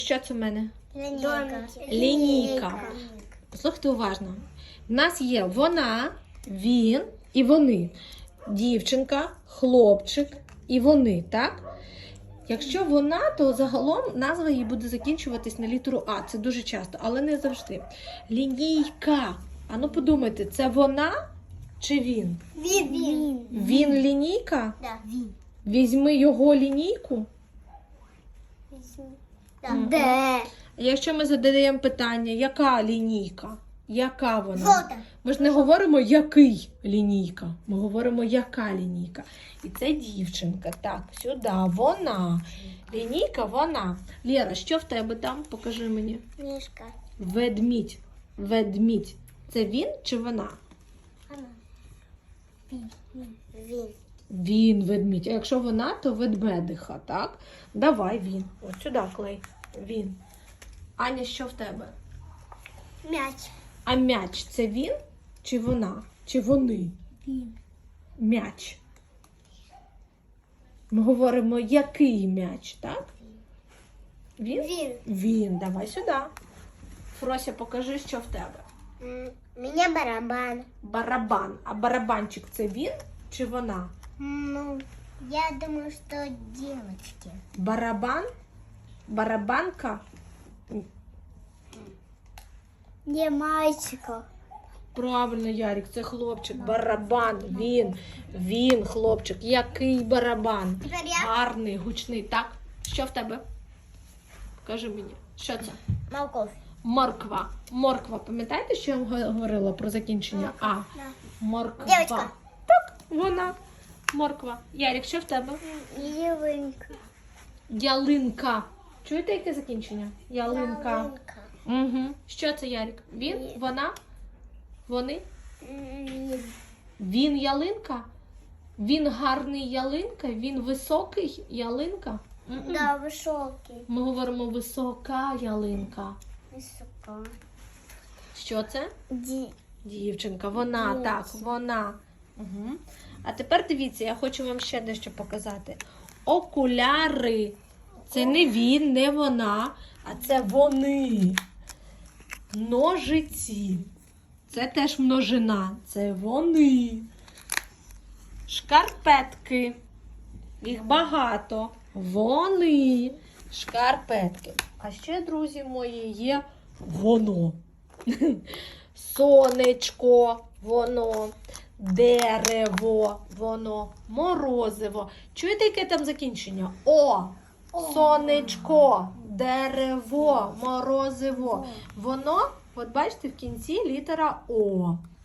Що це в мене? Лінійка. Лінійка. Послухайте уважно. В нас є вона, він і вони. Дівчинка, хлопчик і вони, так? Якщо вона, то загалом назва її буде закінчуватись на літеру А. Це дуже часто, але не завжди. Лінійка. А ну подумайте, це вона чи він? Він. Він лінійка? Да. Він. Візьми його лінійку. Де? Якщо ми задаємо питання, яка лінійка? Яка вона? Жовта. Ми ж не говоримо, який лінійка. Ми говоримо, яка лінійка. І це дівчинка. Так, сюди. Вона. Лінійка, вона. Лєра, що в тебе там? Покажи мені. Мішка. Ведмідь. Ведмідь. Це він чи вона? Він. Він ведмідь. А якщо вона, то ведмедиха, так? Давай він. От сюди клей. Він. Аня, що в тебе? М'яч. А м'яч це він чи вона? Чи вони? Він. М'яч. Ми говоримо, який м'яч, так? Він? Він. Він. Давай сюди. Фрося, покажи, що в тебе. Мене барабан. Барабан. А барабанчик це він чи вона? Ну, я думаю, что девочки. Барабан? Барабанка? Не мальчика. Правильно, Ярик, це хлопчик. Барабан. Він, хлопчик. Який барабан? Тепер я. Гарний, гучний. Так? Що в тебе? Покажи мені. Що це? Морковь. Морква. Морква. Пам'ятаєте, що я вам говорила про закінчення А? Да. Морква. Дівчинка. Так, вона. Морква. Ярик, що в тебе? Ялинка. Ялинка. Чуєте, яке закінчення? Ялинка. Угу. Що це, Ярик? Він? Ні. Вона? Вони? Він. Він ялинка? Він гарний ялинка? Він високий ялинка? Мгм. Да, високий. Ми говоримо висока ялинка. Висока. Що це? Дівчинка, вона, Дівчинка. так, вона. Угу. А тепер дивіться, я хочу вам ще дещо показати. Окуляри. Це не він, не вона, а це вони. Ножиці. Це теж множина. Це вони. Шкарпетки. Їх багато. Вони. Шкарпетки. А ще, друзі мої, є воно. Сонечко, воно, дерево, воно, морозиво. Чуєте, яке там закінчення? О, сонечко, дерево, морозиво. Воно, от бачите, в кінці літера О.